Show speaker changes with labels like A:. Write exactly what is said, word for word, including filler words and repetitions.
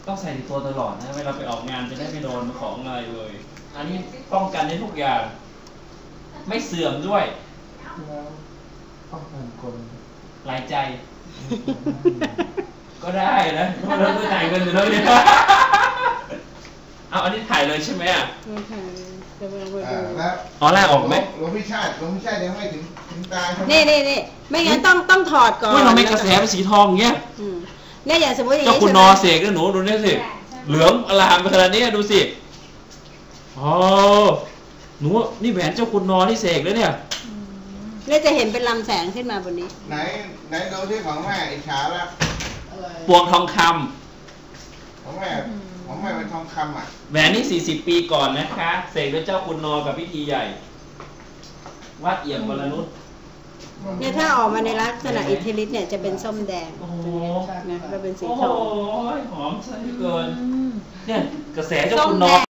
A: ต้องใส่ในตัวตลอดนะเวลาไปออกงานจะได้ไม่โดนของอะไรเลยอันนี้ป้องกันได้ทุกอย่างไม่เสื่อมด้วย
B: แล้วป้องกันคน
A: หลายใจก็ได้นะเราต้องจ่ายเงินอยู่แล้วเนี่ยเอาอันนี้ถ่ายเลยใช่ไหมอ่ะ
C: ถ่ายจะมาไปดู
A: อ๋อแรกออกไหม
B: หลวงพี่ชาติหลวงพี่ชาติยังไม่ถึงถึงตาย
C: นี่นี่นี่ไม่งั้นต้องต้องถอดก่อน
A: เราไม่กระแสเป็นสีทองเงี้ย
C: เนี่ยอย่างสมมติอย่าง
A: นี้เจ้าคุณนอเสกก็หนูดูนี่สิเหลืองอลามไปขนาดนี้ดูสิอ๋อหนูนี่แหวนเจ้าคุณนอที่เสกเลยเนี่ย
C: เนี่ยจะเห็นเป็นลำแสงขึ้นมาบนนี้
B: ไหนไหนดูที่ของแม่อิจฉาแล้ว
A: ปวงทองค
B: ำของแม่ของแม่เป็นทองคำอ่ะ
A: แหวนนี่สี่สิบปีก่อนนะคะเสกด้วยเจ้าคุณนอกับพิธีใหญ่วัดเอี่ยมวรนุช
C: เนี่ยถ้าออกมาในลักษณะอิทธิฤทธิ์เนี่ยจะเป็นส้มแดงนะแล้วเป็นสีทอง
A: โอ้ยหอมซะเหลือเกินเนี่ยกระแสเจ้าคุณนอ